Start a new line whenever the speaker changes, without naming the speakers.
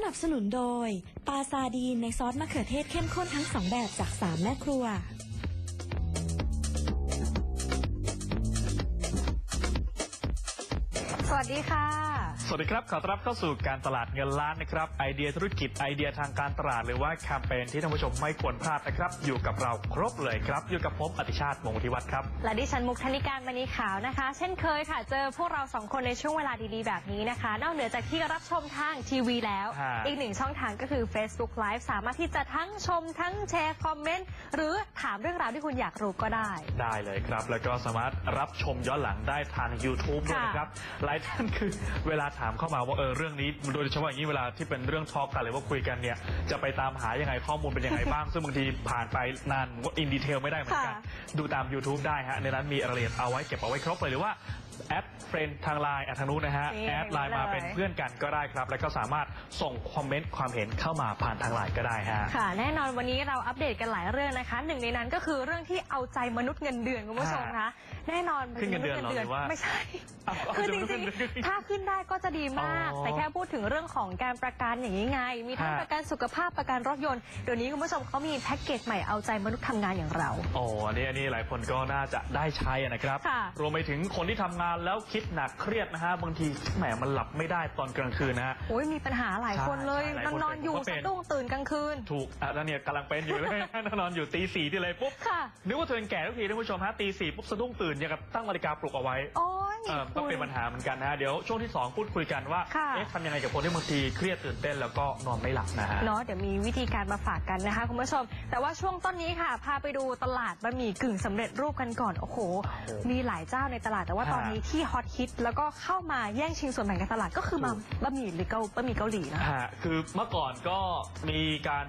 นับสนุนโดยปลาซาดีนในซอสมะเขือเทศเข้มข้นทั้ง2แบบจาก3แม่ครัว
สวัสดีค่ะ
สวัสดีครับขอต้อนรับเข้าสู่การตลาดเงินล้านนะครับไอเดียธุรกิจไอเดียทางการตลาดหรือว่าแคมเปญที่ท่านผู้ชมไม่ควรพลาดนะครับอยู่กับเราครบเลยครับอยู่กับผมอติชาติวงศ์วุฒิวัฒน์ครับ
และดิฉันมุกธนิการมณีขาวนะคะ เช่นเคยค่ะเจอพวกเรา2คนในช่วงเวลาดีๆแบบนี้นะคะนอกเหนือจากที่รับชมทางทีวีแล้วอีกหนึ่งช่องทางก็คือ Facebook Live สามารถที่จะทั้งชมทั้งแชร์คอมเมนต์หรือถามเรื่องราวที่คุณอยากรู้ก็ได้
เลยครับแล้วก็สามารถรับชมย้อนหลังได้ทาง YouTube ด้วยนะครับหลายท่านคือเวลาถามเข้ามาว่าเรื่องนี้โดยเฉพาะอย่างนี้เวลาที่เป็นเรื่องทอล์กกันหรือว่าคุยกันเนี่ยจะไปตามหายังไงข้อมูลเป็นยังไงบ้าง ซึ่งบางทีผ่านไปนานก็อินดีเทลไม่ได้เหมือนกันดูตาม YouTube ได้ฮะในนั้นมีรายละเอียดเอาไว้เก็บเอาไว้ครบเลยหรือว่าแอดเฟรนด์ทางไลน์ทางนู้นนะฮะแอดไลน์มาเป็นเพื่อนกันก็ได้ครับแล้วก็สามารถส่งคอมเมนต์ความเห็นเข้ามาผ่านทางไลน์ก็ได้ฮะ
ค่ะแน่นอนวันนี้เราอัปเดตกันหลายเรื่องนะคะหนึ่งในนั้นก็คือเรื่องที่เอาใจมนุษย์เงินเดือนคุณผู้ชมคะแน่นอน
ขึ้นเงินเดือนหรือว่า
ไม่ใช่คือจริงๆถ้าขึ้นได้ก็จะดีมากแต่แค่พูดถึงเรื่องของการประกันอย่างนี้ไงมีทั้งประกันสุขภาพประกันรถยนต์เดี๋ยวนี้คุณผู้ชมเขามีแพ็กเกจใหม่เอาใจมนุษย์ทำงานอย่างเรา
อันนี้หลายคนก็น่าจะได้ใช้นะครับรวมไปถึงคนที่ทำงานแล้วคิดหนักเครียดนะฮะบางทีแหมมันหลับไม่ได้ตอนกลางคืนนะฮะ
มีปัญหาหลายคนเลยนอนอยู่สะดุ้งตื่นกลางคืน
ถูกแล้วเนี่ยกำลังเป็นอยู่เลยนอนอยู่ตี 4ที่เลยปุ๊บนึกว่าตัวเองแก่ทุกทีท่านผู้ชมฮะตี 4ปุ๊บสะดุ้งตื่นอย่างกับตั้งนาฬิกาปลุกเอาไว้ก็เป็นปัญหาเหมือนกันนะฮะเดี๋ยวช่วงที่2พูดคุยกันว่าทำยังไงกับคนที่บางทีเครียดตื่นเต้นแล้วก็นอนไม่หลับนะฮะ
เดี๋ยวมีวิธีการมาฝากกันนะคะคุณผู้ชมแต่ว่าช่วงต้นนี้ค่ะพาไปดูตลาดบะหมี่กึ่งสำเร็จรูปกันก่อนโอ้โหมีหลายเจ้าในตลาดแต่ว่าตอนนี้ที่ฮอตฮิตแล้วก็เข้ามาแย่งชิงส่วนแบ่งการตลาดก็คือบะหมี่หรือบะหมี่เกาหลีนะ
คือเมื่อก่อนก็มีการ